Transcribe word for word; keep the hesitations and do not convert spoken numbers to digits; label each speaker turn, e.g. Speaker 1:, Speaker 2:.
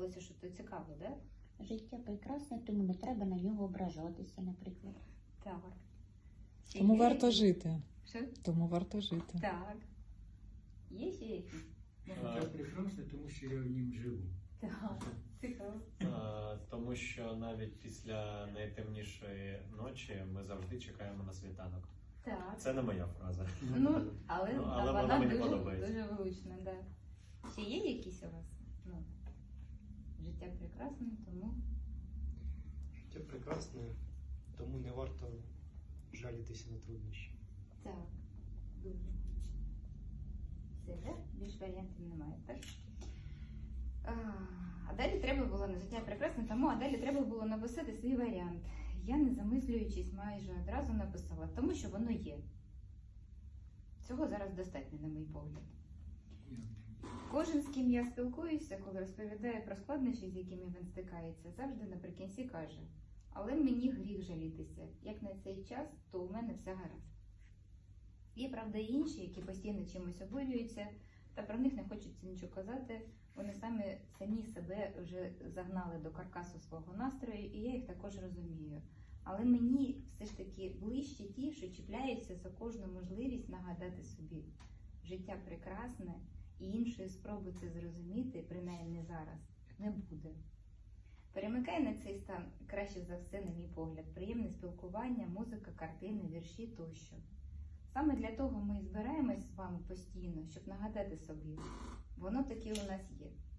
Speaker 1: здавалося, що це цікаво, да?
Speaker 2: Життя прекрасне, тому не треба на нього ображатися, наприклад.
Speaker 1: Так. Чи
Speaker 3: Тому
Speaker 1: є
Speaker 3: варто
Speaker 1: якісь-
Speaker 3: жити.
Speaker 1: Що?
Speaker 3: Тому варто жити.
Speaker 1: Так. Є ще якісь?
Speaker 4: Життя прекрасне, тому що я в нім живу.
Speaker 1: Так. Цікаво.
Speaker 5: А, Тому що навіть після найтемнішої ночі ми завжди чекаємо на світанок.
Speaker 1: Так.
Speaker 5: Це не моя фраза.
Speaker 1: Ну, але,
Speaker 5: Ну,
Speaker 1: а
Speaker 5: але
Speaker 1: вона,
Speaker 5: вона мені
Speaker 1: дуже,
Speaker 5: подобається.
Speaker 1: дуже влучна, да. Чи є якісь у вас? Ну, життя прекрасне, тому
Speaker 6: Життя прекрасне, тому не варто жалітися на труднощі.
Speaker 1: так. Дуже. Все, да? Більш варіантів немає, так? А, а далі треба було на життя прекрасне, тому а далі треба було написати свій варіант. Я, не замислюючись, майже одразу написала, тому що воно є. Цього зараз достатньо, на мій погляд. Кожен, з ким я спілкуюся, коли розповідає про складнощі, з якими він стикається, завжди наприкінці каже: але мені гріх жалітися. Як на цей час, то у мене все гаразд. Є, правда, і інші, які постійно чимось обурюються, та про них не хочеться нічого казати. Вони самі, самі себе вже загнали до каркасу свого настрою, і я їх також розумію. Але мені все ж таки ближче ті, що чіпляються за кожну можливість нагадати собі: життя прекрасне, і іншої спроби це зрозуміти, принаймні зараз, не буде. Перемикає на цей стан краще за все, на мій погляд, приємне спілкування, музика, картини, вірші тощо. Саме для того ми і збираємось з вами постійно, щоб нагадати собі: воно таки у нас є.